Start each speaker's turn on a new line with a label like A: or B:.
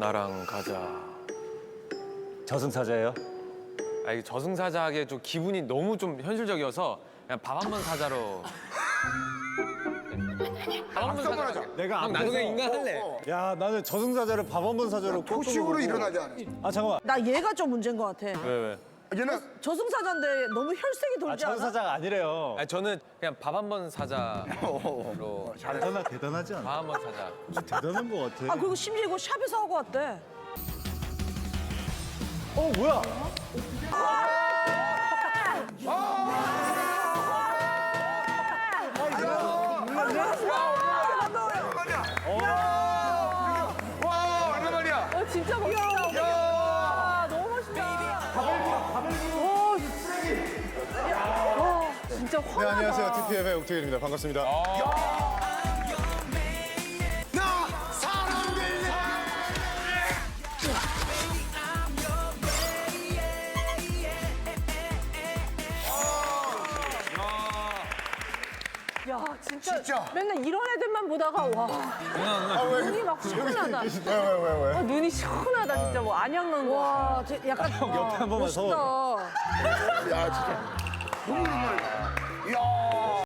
A: 나랑 가자.
B: 저승사자예요?
A: 아, 이게 저승사자하기에 좀 기분이 너무 좀 현실적이어서 그냥 밥 한 번 사자로. 밥 한 번 사자.
B: 내가
A: 형, 나도 그냥 인간 할래.
B: 야, 나는 저승사자를 밥 한 번 사자로
C: 표식으로 일어나지 않아.
B: 아, 잠깐만.
D: 나 얘가 좀 문제인 것 같아.
A: 왜?
C: 얘는
D: 저승사자인데 너무 혈색이
B: 아,
D: 돌지 않아?
B: 저승사자가 아니래요.
A: 아니, 저는 그냥 밥 한 번 사자로.
B: 대단하지 않아?
A: 밥 한 번 사자.
B: 대단한 것 같아.
D: 아 그리고 심지어 이거 샵에서 하고 왔대.
B: 어, 뭐야?
C: 와 얼마 말이야.
D: 진짜 멋있다. 야, 너무 멋있다. 와, 진짜
E: 네,
D: 화나다.
E: 안녕하세요. TPM의 옥택일입니다. 반갑습니다.
C: 나 사랑될래.
D: 야, 진짜,
C: 진짜.
D: 맨날 이런 애들만 보다가 와, 눈이 막 시원하다.
E: 왜?
D: 눈이 시원하다 진짜 뭐 안양 넣은 거. 와, 약간
B: 옆에 한 번만 서.
D: 멋있다.
C: 야 진짜.